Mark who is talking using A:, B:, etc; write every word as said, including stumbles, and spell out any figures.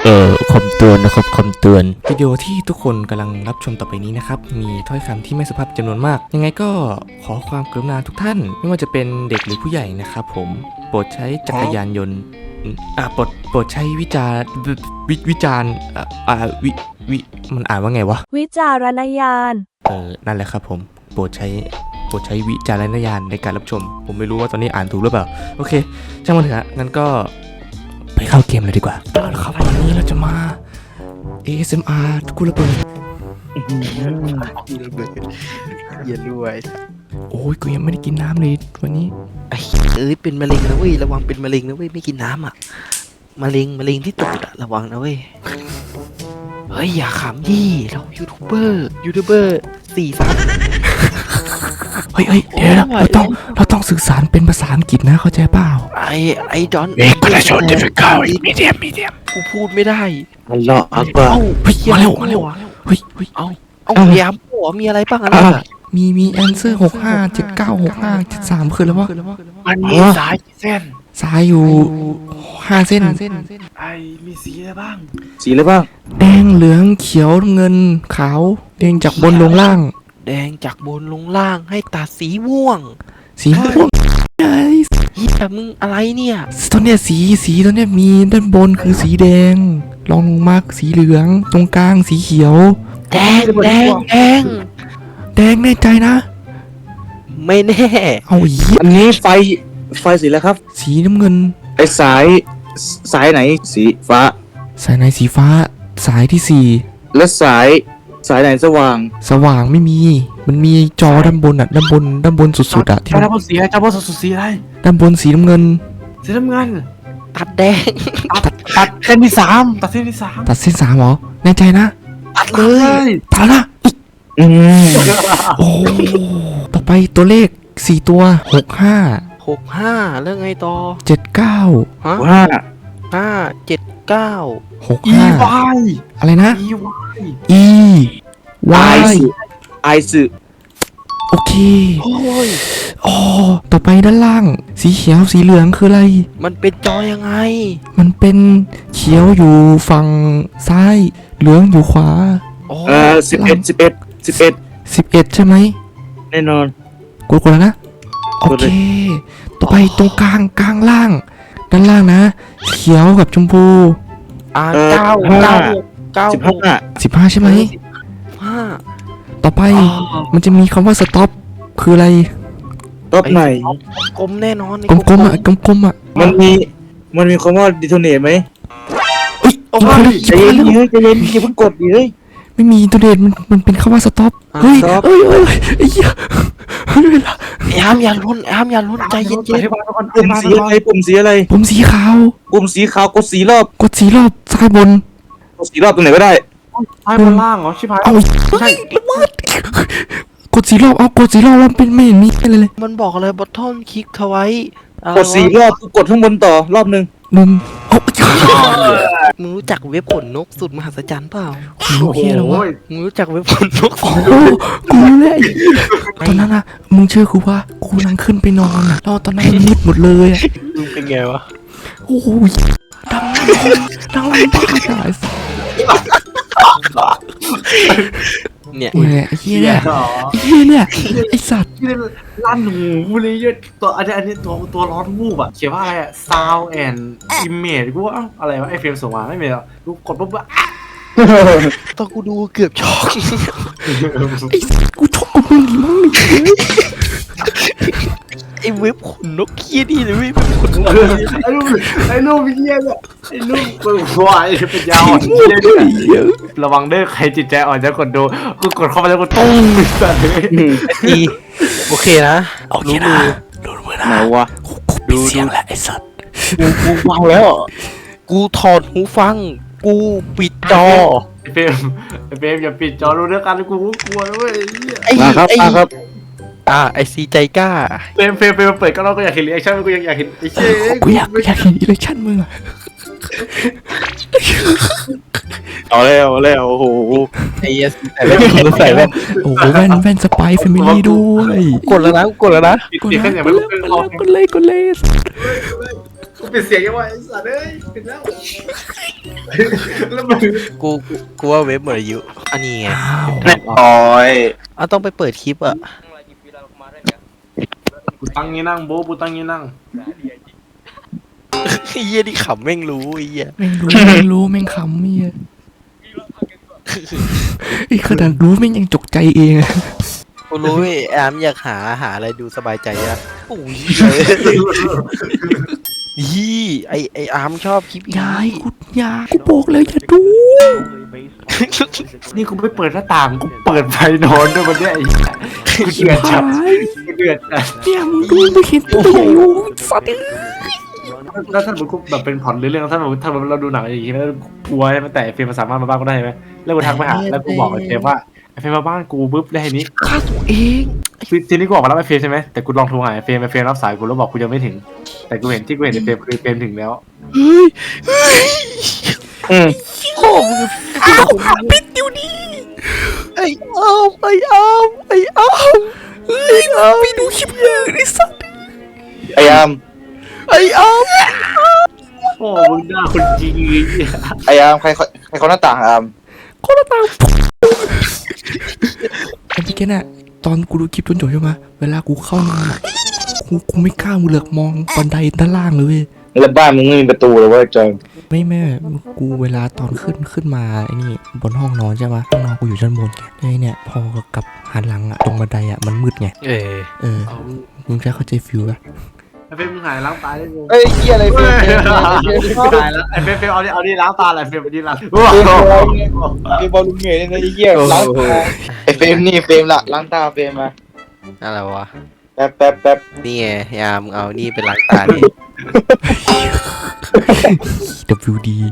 A: เอ่อคำเตือนนะครับคำเตือนวิดีโอที่ทุกคนกำลังรับชมต่อไปนี้นะครับมีถ้อยคำที่ไม่สุภาพจำนวนมากยังไงก็ขอความกรุณาทุกท่านไม่ว่าจะเป็นเด็กหรือผู้ใหญ่นะครับผมโปรดใช้จักรยานยนต์อ่าโปรดโปรดใช้วิจารวิวิจารอ่าอ่าวิวิมันอ่านว่าไงวะ
B: วิจารณญาณ
A: เออนั่นแหละครับผมโปรดใช้โปรดใช้วิจารณญาณในการรับชมผมไม่รู้ว่าตอนนี้อ่านถูกหรือเปล่าโอเคช่างมันเถอะงั้นก็ไปเข้าเกมเลยดีกว่าเอาละครับวันนี้เราจะมา เอ เอส เอ็ม อาร์ กูระเบิด
C: อย่าด้วย
A: โอ้ยกูยังไม่ได้กินน้ำเลยวันนี้
C: ไอ้เอ้ยเป็นมะเร็งนะเว้ยระวังเป็นมะเร็งนะเว้ยไม่กินน้ำอ่ะมะเร็งมะเร็งที่ตูดอะระวังนะเว้ยเฮ้ยอย่าขำดิเรายูทูบเบอร์ยูทูบเบอร์สี่สาม
A: เฮ้ยเฮ้ยเดี๋ยวนะเราต้องเราต้องสื่อสารเป็นภาษาอังกฤษนะเข้าใจเปล่า
C: ไอ้ไอ้ดอน
A: เอกประชาชนจะไปเข้ามีเดียมมีเดียม
C: กูพูดไม่ได้
D: มันเลาะอักว่า
A: เฮ้ยมาเร็วมาเร็วเฮ้ยเฮ้ย
C: เอาเอาพยายามหัวมีอะไรบ้างอะไรอ่ะ
A: มีมีแอนเซอร์หกห้าเจ็ดเก้าหกห้าเจ็ดสามคือแล้ววะ
D: มันมีสายเส้น
A: สายอยู่ห้าเส้น
D: ไอ้มีสีอะไรบ้างสีอะไรบ้าง
A: แดงเหลืองเขียวเงินขาวแดงจากบนลงล่าง
C: แดงจากบนลงล่างให้ตัดสีม่วง
A: สีม่วง
C: เฮ้ยแต่มึงอะไรเนี่ย
A: ตัวเนี้ยสีสีตัวเนี้ยมีด้านบนคือสีแดงรองลงมาสีเหลืองตรงกลางสีเขียว
C: แดงแดงแดง
A: แดงแน่ใจนะ
C: ไม่แน่
A: เอาอีก
D: อันนี้ไฟไฟสีอะไรครับ
A: สีน้ำเงิน
D: ไอ้สายสายไหนสีฟ้า
A: สายไหนสีฟ้าสายที่สี่
D: แล้วสายสายไหนสว่าง
A: สว่างไม่มีมันมีจอด้านบนอ่ะด้านบนด้านบนสุดๆอ่ะ
D: ที่ด้านบนสีอะไรด้านบนสุดๆสีอะไร
A: ด้านบนสีน้ำเงิน
D: สีน้ำเงิน
C: ตัดแดง
D: ตัดตัดเส้นที่สามตัดเส้นที่สาม
A: ตัดเส้นสามเหรอแน่ใจนะ
D: ตัดเลย
A: ตัดละอืมโอ้ต่อไปตัวเลขสี่ตัวหกห้า
C: หกห้าแล้วไงต่อ
A: เจ็ดเก้า
C: ฮะ
D: ห้า
C: ห้าเจ็ดเก้า
A: หกห้าอะไรนะ e y
D: ไอซึ
A: โอเค
C: โอ้ย
A: อ๋อต่อไปด้านล่างสีเขียวสีเหลืองคืออะไร
C: มันเป็นจอยังไง
A: มันเป็นเขียวอยู่ฝั่งซ้ายเหลืองอยู่ขวา
D: เออสิบเอ็ดสิบเอ็ดสิบเอ็ด
A: สิบเอ็ดใช่ไหม
D: แน่นอน
A: กดกดแล้วนะโอเคต่อไปตรงกลางกลางล่างด้านล่างนะเขียวกับชมพู
C: อ่าเก้าเก้าเก้า
D: สิบห้า
A: สิบห้าใช่ไหม
C: ห้า
A: ต่อไปมันจะมีคำว่าสต็อปคืออะไร
D: สต็อปไหน
C: กลมแน่นอน
A: กลมกลมอ่ะกลมกลมอ่ะ
D: มันมีมันมีคำว่าดิโทเนตไหม
A: เฮ้ย
D: ใจเย็นเฮ้ยใจเย็นอย่าเพิ่งกดดิเฮ้ย
A: ไม่มีดิโทเนตมันมันเป็นคำว่าสต็อปเฮ้ยเฮ้ยเฮ้ยไอ้เหี้ยเฮ้ยเวลา
C: ไอ้ห้ามอย่าลุ้นห้ามอย่าลุ้นใจเย็นๆ
D: ปุ่มสีอะไรปุ่มสีอะไร
A: ปุ่มสีขาว
D: ปุ่มสีขาวกดสีรอบ
A: กดสีรอบซ้ายบน
D: กดสีรอบตรงไหนก็ได้
C: ซ้ายบนล่างเหรอชิบหาย
A: เอาใช่ละเมิดกดสีรอบเอากดสีรอบแล้วเป็นไม่เห็นมีอะไรเลย
C: มันบอกอะไรบอททอนคลิกเทไว้
D: กดสีรอบกดข้างบนต่อรอบนึง
A: หนึ่งโอ้
C: ยมึงรู้จักเว็บขนนกสุดมหัศจรรย์เปล่า
A: ขนนกเฮียเหรอวะ
C: มึงรู้จักเว็บขนนก
A: โอ้กูรู้แล้วตอนนั้นอะมึงเชื่อกูว่ากูนั่งขึ้นไปนอนอะแล้วตอนนั้นมืดหมดเลยอะ
C: มึงเป็นไงวะ
A: โอ้ยดังดังบ้าตาย
C: เนี่ย
A: ไอ้เหี้ยเนี่ยไอ้เหี้ยเนี่ยไอ้สัตว์
D: ลั่นหูเลยเยอะตัวอันนี้อันนี้ตัวตัวร้อนวูบอะเขียนว่าอะไรอะ sound and image กูว่าอะไรวะไอเฟรมส่งมาไม่มีหรอกกูกดปุ๊บอะ
C: ตอนกูดูเกือบช็อก
A: ไอ้กูช็อกกับมึงดิมั้งนี่
C: ไอ้เว็บขนนกเคี้ยนี่เลยเว็บขนนก
D: ไอ้ลูกไอ้ลูกเคี้ยเนี่ยไอ้ลูกเปิดควายเป็นยาวอ่อนเคี้ยด้วยระวังเด้อใครจิตใจอ่อนจะกดดูกูกดเข้าไปแล้วกูตุ้งสัตว์
C: ดีโอเคนะ
A: โอเคนะดูมือนะ
D: ไหนวะ
A: กูปิดเสียงแล้วไอ้สัตว์
D: กูกูฟังแล้ว
C: กูถอดหูฟังกูปิดจอ
D: ไอ้เฟรมไอ้เฟรมอย่าปิดจอรู้เรื่องกันกูกลัวนะเว้ย
C: ไอ้
D: ครับครับ
C: อ่าไอซีใจกล้า
D: เฟรมเฟรมเฟรมเปิดก็เราก็อยากเห็นรีแอคชั่นกูอยากอยากเห็นไอ้เชี่ย
A: กูอยากอยากเห็นรีแอคชั่นมึงอะ
D: เอาแล้วเอาแล้วโอ้โห
C: ไอ้เอสใส่แว่นใส่แว่น
A: โอ้โหแว่นแว่นสไปซ์แฟมิลี่ด้วย
C: กดแล้วนะกดแล้วนะ
A: กดเลยกดเลยกดเลย
D: กูเป็นเสียงยังไงไอ้สัตว์เอ้ยเป็นแล้วแล้วมึง
C: กูกูว่าเว็บหมดอายุอันนี้ไง
E: เรียบร้อย
C: อ่ะต้องไปเปิดคลิปอ่ะ
D: กูตั้งงี้นั่งโบ๊ะกูตั้งงี้นั่ง
C: ไอ้เหี้ยที่ขำแม่งรู้ไอ้เหี้ย
A: แม่งรู้ แม่งรู้แม่งขำเมียไอ้ขนาดรู้แม่งยังจกใจเองอะ
C: กูรู้ไอ้แอมอยากหาหาอะไรดูสบายใจอะโอ้ยยี่ไอไออาร์มชอบคลิป
A: ยายกูยายกูบอกแล้วอย่าดู
D: นี่กูไม่เปิดหน้าต่างกูเปิดไฟนอนด้วยวันเนี้ยไอ้กูเดือดจัด
A: หาย
D: กูเดือดจัด
A: เนี่ยมึงดูไม่เห็นตัวใหญ่โอ้ยสัตว์เอ้ย
D: แล้วท่านผมแบบเป็นผ่อนหรือเรื่องท่านผมถ้าเราดูหนังอย่างงี้แล้วกลัวใช่ไหมแต่เฟรมมันสามารถมาบ้านก็ได้ไหมแล้วกูทักไปหาแล้วกูบอกไอ้เฟรมว่าไอ้เฟรมมาบ้านกูปุ๊บได้นี้
C: ฆ่าตัวเอง
D: ทีทีนี้กูออกมารับไอ้เฟรมใช่ไหมแต่กูลองโทรหาไอ้เฟรมไอ้เฟรมรับสายกูแล้วบอกกูยังไม่ถึง แต่กูเห็นที่กูเห็นไอ้เฟรมคือเฟรมถึงแล้ว
C: เฮ้ยเฮ้ย
E: อืม
C: โอ้มึง
A: อ้าวปิดเดี๋ยวนี้
C: ไออาร์มไออาร์มไออาร์ม
A: เฮ้ยไปดูคลิปเลยไอ้สัตว์
E: พยายาม
C: ไออาร์ม
D: โอ้มึงด่าคนจริงเลย
E: พยายามใครเขาใครเขาหน้าต่างอาม
A: คนละตางไอ้พี่แกน่ะตอนกูดูคลิปจนจบใช่ไหมเวลากูเข้ามากูกูไม่กล้ามือเหลือกมองบันไดด้านล่างเลยเว้ย
E: แล้วบ้านมึงไม่มีประตูเลยเว้ยจอย
A: ไม่แม่กูเวลาตอนขึ้นขึ้นมาไอ้นี่บนห้องนอนใช่ปะห้องนอนกูอยู่ชั้นบนไงแล้วไอ้เนี่ยพอกลับหันหลังอะตรงบันไดอะมันมืดไง
C: เออ
A: เออมึงจะเข้าใจฟิลปะ
D: ไอ้เฟรมมึงหายล้างตาได้กู
E: เอ้ยเหี้ยอะไรเฟรมเฟรม
D: ตายแล้วไอ้เฟรมเฟรมเอาดิเอาดิล้างตาอะไรเฟรมเอาดิล้าง
E: เฟรมบอลเฟรมบอลลุงเหนื่อยเลยนะไอ้เหี้ยล้างตาไอ้เฟรมนี่เฟรมละล้างตาเฟรมมา
C: อะไรวะ
E: แป๊บแป๊บแป๊บ
C: นี่ไงไอ้อาร์มเอานี่เป็นล้างตาดิ
A: ดับบิวดี